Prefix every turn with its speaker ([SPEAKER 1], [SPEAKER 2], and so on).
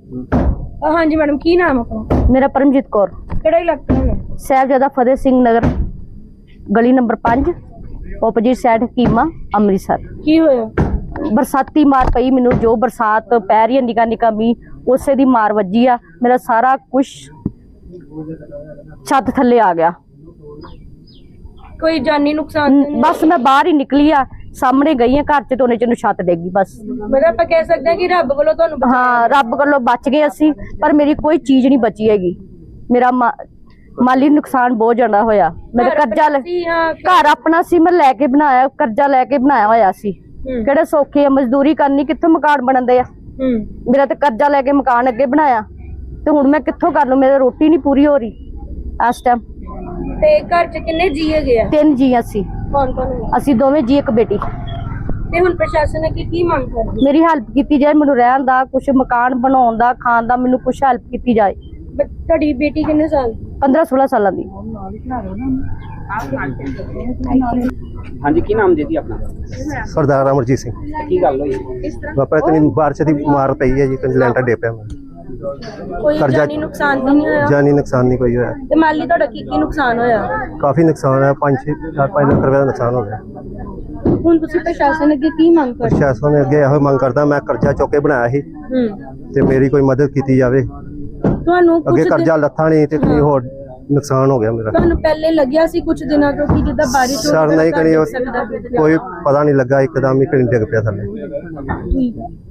[SPEAKER 1] हाँ जी मैडम, की नाम अपना?
[SPEAKER 2] मेरा परमजीत कौर।
[SPEAKER 1] ਕਿਹੜਾ ਇਲਾਕਾ ਹੈ?
[SPEAKER 2] साहिबजादा फतेह सिंह नगर, गली number 5, opposite side Hakima, Amritsar.
[SPEAKER 1] ਕੀ ਹੋਇਆ?
[SPEAKER 2] बरसाती मार पई मैनू, जो बरसात पै रही है निका निका मीह उसे दी मार वजी आ। मेरा सारा कुछ छत थले आ गया।
[SPEAKER 1] ਕੋਈ ਜਾਨੀ ਨੁਕਸਾਨ ਤਾਂ ਨਹੀਂ?
[SPEAKER 2] बस मैं बाहर ही निकली आ, सामने गई है घर च तो उन्हें छत डेगी बस।
[SPEAKER 1] मतलब ਆਪਾਂ ਕਹਿ ਸਕਦੇ ਹਾਂ ਕਿ ਰੱਬ ਵੱਲੋਂ ਤੁਹਾਨੂੰ ਬਚਾਇਆ।
[SPEAKER 2] हाँ रब वालों बच गए असी, पर मेरी कोई चीज नहीं बची हैगी। मेरा माली नुकसान बहुत ज्यादा होया। मेरे कर्जा घर अपना सी, मैं लैके बनाया, कर्जा लैके बनाया होया सी। किहड़े सौखे आ, मजदूरी करनी कित्थों मकान बनदे आ। मेरा तो कर्जा लैके मकान अगे बनाया ते हुण मैं कित्थों कर लूं, मेरी रोटी नहीं पूरी हो रही इस टाइम।
[SPEAKER 1] ਤੇ ਘਰ ਚ ਕਿੰਨੇ ਜੀ ਹੈਗੇ ਆ?
[SPEAKER 2] 3 जी असी।
[SPEAKER 1] ਕੌਣ ਕੌਣ ਹੈ?
[SPEAKER 2] असी दोवें जी, एक बेटी।
[SPEAKER 1] ਤੇ ਹੁਣ ਪ੍ਰਸ਼ਾਸਨ ਨੇ ਕੀ ਮੰਗ ਕਰਦੀ?
[SPEAKER 2] मेरी हेल्प की जाए, मैनूं रहण दा, कुछ मकान बनाउण दा, खाण दा, मैनूं कुछ हेल्प की जाए।
[SPEAKER 1] ਤੁਹਾਡੀ ਬੇਟੀ ਕਿੰਨੇ ਸਾਲ ਦੀ?
[SPEAKER 2] 15-16 साल दी।
[SPEAKER 3] हाँ जी, की नाम जी अपना?
[SPEAKER 4] सरदार अमरजीत सिंह।
[SPEAKER 3] की गल हुई?
[SPEAKER 4] वापस कहीं बारिश की मार पई है जी, कहीं लैंटर डे पे
[SPEAKER 1] ਕੋਈ ਜਾਨੀ ਨੁਕਸਾਨ ਤਾਂ ਨਹੀਂ ਹੋਇਆ?
[SPEAKER 4] जानी नुकसान नहीं कोई होया।
[SPEAKER 1] ਤੇ ਮਾਲੀ ਤੁਹਾਡਾ ਕੀ ਨੁਕਸਾਨ ਹੋਇਆ?
[SPEAKER 4] काफी नुकसान है, 5-4 लाख रुपए का नुकसान हो गया।
[SPEAKER 1] ਹੁਣ ਤੁਸੀਂ ਪ੍ਰਸ਼ਾਸਨ ਅੱਗੇ ਕੀ ਮੰਗ ਕਰਦੇ?
[SPEAKER 4] प्रशासन ने अगे यही मंग करता, मैं कर्जा चुक के बनाया ਸੀ ਤੇ ਮੇਰੀ ਕੋਈ ਮਦਦ ਕੀਤੀ ਜਾਵੇ।
[SPEAKER 1] ਤੁਹਾਨੂੰ
[SPEAKER 4] ਅੱਗੇ ਕਰਜ਼ਾ ਲੱਥਾ ਨਹੀਂ ਤੇ ਕੋਈ ਹੋਰ ਨੁਕਸਾਨ ਹੋ ਗਿਆ ਮੇਰਾ।
[SPEAKER 1] ਤੁਹਾਨੂੰ ਪਹਿਲੇ ਲੱਗਿਆ ਸੀ ਕੁਝ ਦਿਨਾਂ ਤੋਂ ਕਿ ਜਿੱਦਾਂ ਬਾਰਿਸ਼ ਹੋ
[SPEAKER 4] ਸਰ ਨਹੀਂ ਕਰੀ,
[SPEAKER 1] ਸਕਦਾ?
[SPEAKER 4] ਕੋਈ ਪਤਾ ਨਹੀਂ ਲੱਗਾ, ਇੱਕਦਮ ਹੀ ਕहीं ਡਿੱਗ ਪਿਆ ਥੱਲੇ।
[SPEAKER 1] ਠੀਕ ਹੈ।